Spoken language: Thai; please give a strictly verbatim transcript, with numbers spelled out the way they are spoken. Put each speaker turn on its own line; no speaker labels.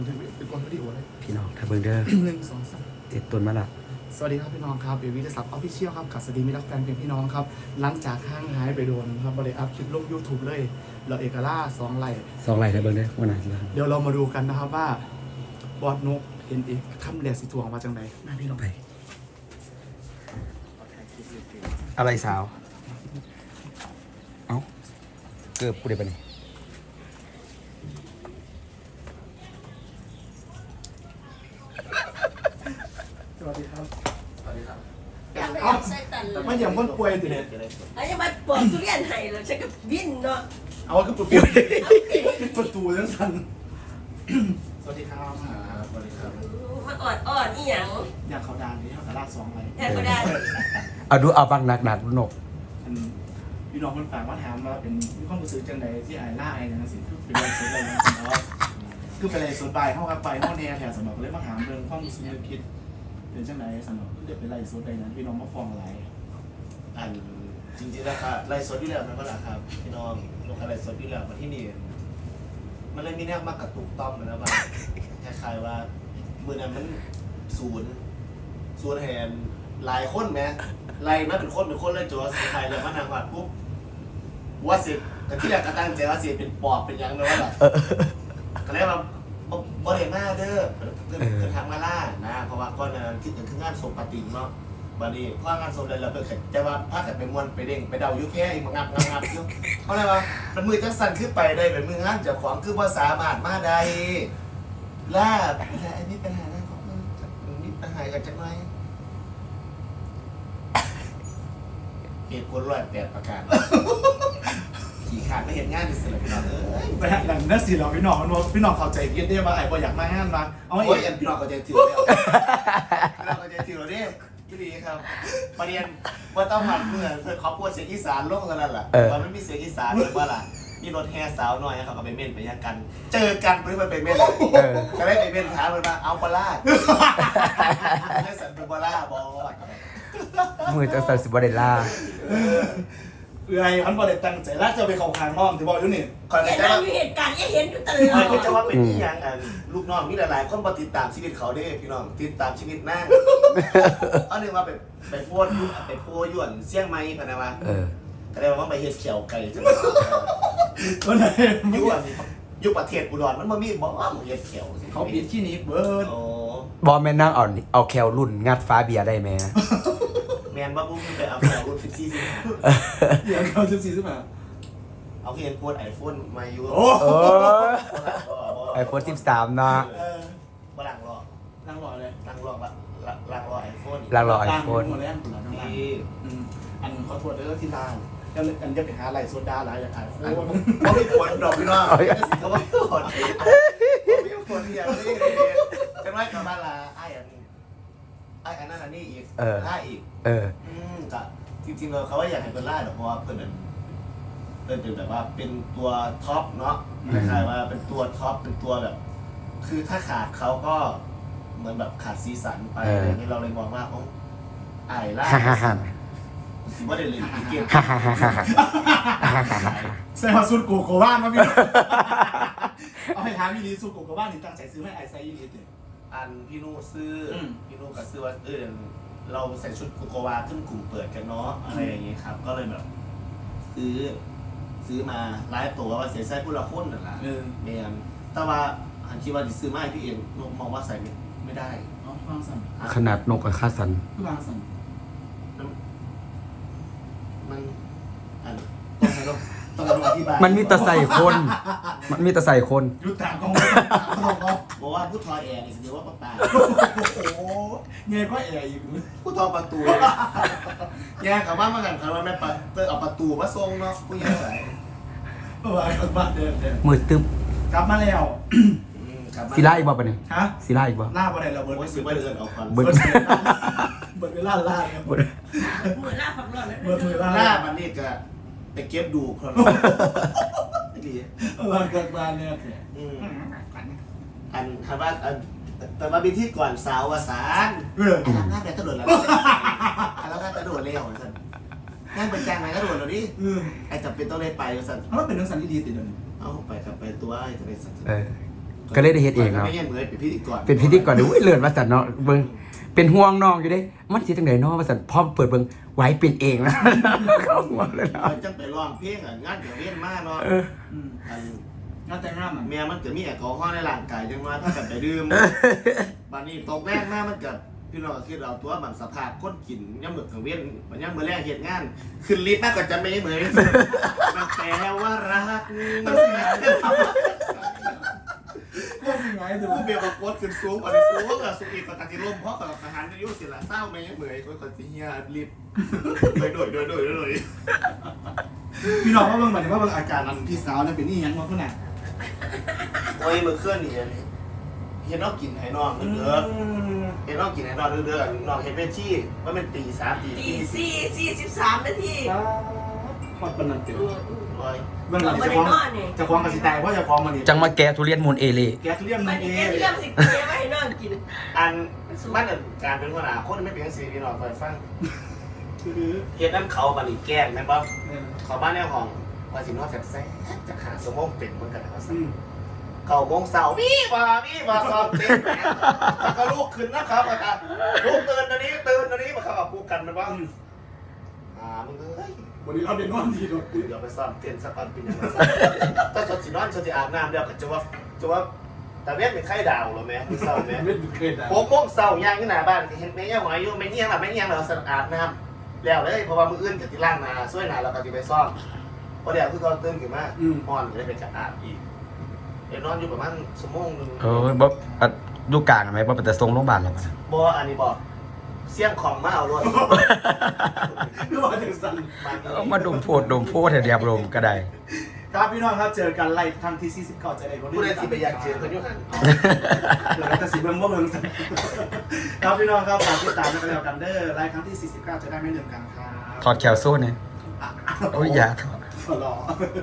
เป็นคนวิดีโอเลย
พี่น้องถ้าเบิ่งเด้อ
หนึ่งสองสาม
เจ็ดต้นมาละ
สวัสดีครับพี่น้องครับเบบี้จะสับออฟฟิเชียลครับกับสวัสดีมิตรแฟนเพลงพี่น้องครับหลังจากห้างหายไปโดนครับบริอัพคลิปลง YouTube เลยเราเอกล่าสองไลท์
สองไหลถ้าเบิ่งเด้อวันไหนแล้ว
เดี๋ยวเรามาดูกันนะครับว่าบอดนกเห็นอีกคำแหลกสีทวงมาจังไหนมาพี่น้อง
ไปอะไรสาวเอ้าเกือบกูได้ปะนี่
สวัสดีครับสวัสดีครับ
อย่าไปเอาใส่ตันเลย
ไม่อย่างคนป่วยติเนี่ย
ไอ้ยังมาปอกทุเรียนให้แล้วฉันก็วิ่นเนาะ
เอาคือประตูปิดประตูทั้งสันสวัสดีครับสวัสดีครับ
มาออดออดอีหยัง
อยากเขาดานนี้เขากระลาสองไลท์
แทนก็ได้
เอาดูเอาบังหนักหนักๆนก
อันพี่น้องคนฝากว่าถามว่าเป็นมีความรู้สึกจังใดที่ไอ้ล่าไอ้นะสิคือเป็นอะไรสุดอะไรนะเนาะคือเป็นอะไรสุดไปเข้าครับไปเข้าแน่แถวสมองเลยมาถามเรื่องความรู้สึกนึกคิดเป็นจังใดสมองเดี๋ยวเป็นอะไรสุดใดนั้นพี่น้องมาฟ้องอะไร
อันจริงๆแล้วครับไล่สดอยู่แล้วนะก็ล่ะครับพี่น้องลงไล่สดอยู่แล้วมาที่นี่มันเลยมีแนวมากระตุกต้อมนะว่าคล้ายๆว่ามือนั้นมันศูนย์ศูนย์แหนหลายคนไหมไล่มาเป็นคนเป็นคนเลยจนสุดท้ายเลยมาทางวัดปุ๊บว่าสิแต่ที่แรกก็ตั้งใจว่าสิเป็นปอบเป็นยังเลยว่าแบบก็เลยว่าบ่ได้มาเด้อเพิ่นเพิ่นทางมาล่านะเพราะว่าก่อนนั้นคิดถึงงานศพปฏิเนาะ บัดนี้พางานสมเลยเราเปิดแต่ว่าพากันไปมวนไปเด้งไปเดายุแค่อีกงับงับงับอยู่เพราะอะไรวะมันมือจังสั่นขึ้นไปได้เป็นมืองานเจ้าของคือว่าสามารถมาได้ล่าอันนี้ปัญหาอะไรของมึงมีปัญหากันจังไหมเหตุผลร้อยแปดประการขี่ขาดไม่เห็นงานดิสิเลยพี่น้องเอ้ย
ไปหาหลังนั่นสิเราพี่น้องมันว่าพี่น้องเข้าใจเย็นได้ว่าไอ้บ่อยากมาห้ามมาเอา
โอ้ย
เอง
พี่น้องก็ใจถือแล้วพี่น้องก็ใจถือแล้วเนี่ยพี่ดีครับประเด็นว่าต้องหัดเมื่อเพื่อเขาพูดเสียงอีสานลงกันนั่นแหละตอนไม่มีเสียงอีสานเลยว่าล่ะมีรถแห่สาวหน่อยเขาก็ไปเม่นไปยักกัน เจอกันเพื่อไปเม่นเลยก็ได้ไปเม่นท้ามันมาเอาปลาได้สันเป็นปลาบอส
มือจะใส่สิบเดล่า
เอื่อยอันบ่ได้ตั้งใจแล้วจะไปเข้าข้างน้องที่บอกอยู่นี่
คอย
เห็
กัน
น
จะ
เรา
ว่า
มีเหตุการณ์ที่เห็นอยู่ตล
ค
อ
อย
ด
ก็จะว่าเป็นที่ยังอันลูกน้องมีหลายๆคนมาติดตามชีวิตเขาได้พี่น้องติดตามชีวิตนั่งอันนึงว่าไปไปโพสยุ่ไปโพยวนเสี่ยงไม้พะนะวะ
เออ
ก็ได้ว่าไปเฮ็ดเขียวไก่จัง
ก็ไหน
ยุอันยุประเทศอุดรมันบ่มีบ่ว่าหมูเฮ็ดเขียว
เขาปิดที่นี้เบิร์ด
โอ้
บอลแม่นนั่งเอาเอาแคลรุ่นงัดฟ้าเบียร์ได้ไหม
แม่นบ่บุ้มไปเอาแถวรุ่นสิบสี่สิบห้า
เดี๋ยวเขาสิบสี่สิบห้า
เอาเขียนโพส iPhone มาอยู่
โอ้
เออไอโฟนสิบสามเนาะ
เออ
บ่หลังรอ
นั่งรอเลย
หลังรอละหลังรอ iPhone
ลางรอไอโฟน
หมดแล้วหมดแล้วทั้งร้าน
ที่
อืมอันขอโทษเด้อที่ร้านยังอันจะไปหาอะไรโซดาหลายอย่างอ่ะโอ้
เขาไม่ผลดอกพี่น้องเขาไม่ผลเขาไม่ผลอย่างนี้จังไรกับบ้านละไอ้อันไอ้อันนั้นอันนี้อีกล่าอีก
เออ
อืมก็จริงๆเราเขาว่าอยากให้เป็นล่าหรอกเพราะว่าเพิ่นเป็นเพิ่นเป็นแบบว่าเป็นตัวท็อปเนาะคล้ายๆว่าเป็นตัวท็อปเป็นตัวแบบ คือถ้าขาดเขาก็เหมือนแบบขาดสีสันไปอะไรอย่างเงี้ยเราเลยมองว่าโอ้ไอ้ล่า
ฮ่าฮ่าฮ่า
สิว่าได้เลยอีเกม
ฮ่าฮ่าฮ่าฮ่า
ใส่มาสูตรโกโก้บ้านมาพี่ เอาให้ถามอีลีสูตรโกโก้บ้านนี่ตั้งใจซื้อให้ไอไซอีลีเด็
อันพี่นุซื้ออ
ม
พี่นุก็ซื้อว่าเออเราใส่ชุดโกโกวาขึ้นกลุ่มเปิดกันเนาะอะไรอย่างเงี้ยครับ ก็เลยแบบ ซื้อ ซื้อมาไลฟ์ตัวว่าเสียไส้ผู้ละคนนั่นแหละ
เออ
เมียนแต่ว่าอันคิดว่าจะซื้อมาให้พี่เองนุมองว่าใส่ไม่ไม่ได้
เอาวางสั่น
ขนาดนกกับค่าสัน
คือวางสั่น
มันอันต้องให้เราต้องการอธิบาย
มันมีแตะใส่คน มันมีแตะใส่คน
ยุดตากองต้องเอา
บอกว่าผู้ทอแอร์นี่เดียวว่าปะตา
โอ้โหเงยก็แอร์อยู่
ผู้ทอประตูแย่กับบ้านมากันครับว่าแม่ปะเตอเอาประตูมาส่งเนาะผู้ใหญ่ไหน
เออไอ้บ้านเดิมเดิม
มือตึ๊บ
กลับมาแล้ว
ศิลาอีกบ่ปะเนี่ย
ฮะ
ศิลาอีกบ่
ล่าอะไรเราเบิร์ด
โอ้ยซื้อไปเดินเอาควัน
เบิด
เบิร์ดเบิร์ดเวลาล่าเนี่ยเบิร์ด
มือหน้าพักร้อนเลย
เบิร์ดเวลา
ห
ล่า
น้ามันนี่ก็ไปเก็บดูคนไม่ดี
เออเกิดมาเนี่ย
อืมอันคำว่าอันแต่มาเป็นที่ก่อนสาววสาน
เออ
อันนั้นน่าจะกระโดดแล้วอันนั้นน่าจะกระโดดเร็วสันนั่นเป็นแจงไหนกระโดดแล้วดิ
เออ
ไอ้จำเป็นต้องได้ไปสัน
แล้วเป็นเรื่องสันดีๆติดเลย
เอาไปกับไปตัวไอ้จะไปสัน
เออก็เลยได้เฮ็ดเองครับ
ไม่ใช่เหมือนเป็นพิธีกร
เป็นพิธีกรดูเลื่อนมาสันเนาะเบิ่งเป็นห่วงน้องอยู่เด้มันสิจังได๋เนาะว่าสันพอเปิดเบิ่งไหวเป็นเองนะ เข้าหัวเลยเนาะ
เราจังไปร้องเพลงอ่ะงานเดี๋ยวเวียนมากเนาะ
เออ
อืม
อัน
งานแต่งงานมัน
เมียมันจะมีแอลกอฮอล์ในร่างกายจังว่าถ้ากันไปดื่มบัดนี้ตกแรกมากมันเกิดพี่น้องคิดเอาตัวมันสภาพคนกินย่ำเหมือนกับเวียนมันย่ำเมื่อแรกเหตุงานขึ้นลิฟต์มากกว่าจะไม่เหมือนมันแปลว่ารักมันเสีย
ก็สิไงดู
ผู้เบียร์กับโคตรขึ้นสูงอันนี้สูงอะสุกีกับตาจิลมเพราะกับทหารอายุสิละเศร้าไม่ยังเหมือนคนคนที่เฮียลิฟต์โดยโดยโดยโดยโดย
พี่น้องว่าเบิ่งบัดนี้ว่าเบิ่งอาการอันพี่สาวนั่นเป็นนี่ยังว่าเพิ่นน่ะ
โอ้ยมือเคลื่อนนี่นี่เห็นน้องกินไห้นอนเด้อเห็นน้องกินไห้นอนเด้อน้องเห็นเป็นชี้ว่ามันตีสามตี
ตีสี่สี่สิบสามนาที
ฮอดปานนั้นเด้อ
ร้อย
เบิ่งหลังจะฟ้องจะฟ้องกับสิตายเพราะจะฟ้องมันนี่
จังมาแกะทุเรียนมูลเอเล่
แกทุเรียน
มั
มัน น
นี่
เอ
แก
ง
เรื่องสิเกไว้ให้น้องกิน
อันมันการเป็นคนหนาคนไม่เป็นสีพี่น้องคอยฟัง
คือ
เฮ็ดน้ำเขาบันนี่แกล้งแม่นบ่เขาบ้านแนวห้องว่าสินอนแซ่บๆจะขาสมองเป็นเหมือนกันนะครับ
อืม
เก่าโมงเสาร์พี่ว่าพี่ว่าสอบเต็มแล้วก็ลูกขึ้นนะครับอาจารย์ลูกตื่นอันนี้ตื่นอันนี้มาเข้ากับกูกันมันว่าอ่ามึงเอ้ย
วันนี้เราเป็นนอนดีโดด
เดี๋ยวไปซ้อมเต้นสักวันเป็นยังไงถ้าสดสินอนสดสิอาบน้ำเดี๋ยวก็จะว่าจะว่าแต่เวียนเป็นไข้ดาวหรอแม่มึงเศร้าแม่
ไม่เคยได้
โมงโมงเสาร์ย่างที่หน้าบ้านเห็นแม่ย่างหอยอยู่ไม่เงี้ยงหรอไม่เงี้ยงหรอสะอาดน้ำแล้วเลยเพราะว่ามืออื่นกับที่ล่างนาช่วยนาเราก็จะไปซ่อมเพราะเดี๋ยวคือเขาตื่นขึ้นมาอ่อนก็เลยไปจัดอาบอีกเดี๋ยวนอนอยู่ประมาณชั่วโมงนึง
เออบ่อ่ะดูกลางไหมบ่เป็นแต่ทรงโรงพยาบาลหรอกนะ
บออันนี้บอกเสี่ยงของมาเอารถ
คือว่าถึงสั่น
เอามาดมโพดดมโพดให้เรียบรมก็ได้
ครับพี่น้องครับเจอกันไล่ทางที่สี่สิบเก้าจะได้บ่
ผู้ใดที่ไปอยากเจอเพื่อนอยุหัน
เดี๋ยวเราจะสิเบิ่งบ่เบิ่งสั่นครับพี่น้องครับฝากติดตามกันแล้วกันเด้อไล่ครั้งที่สี่สิบเก้าจะได้ไม่ลืมกันครับ
ถอดแคลโซ่เนี่ยโอ้ยอย่าถอด
ขอรอ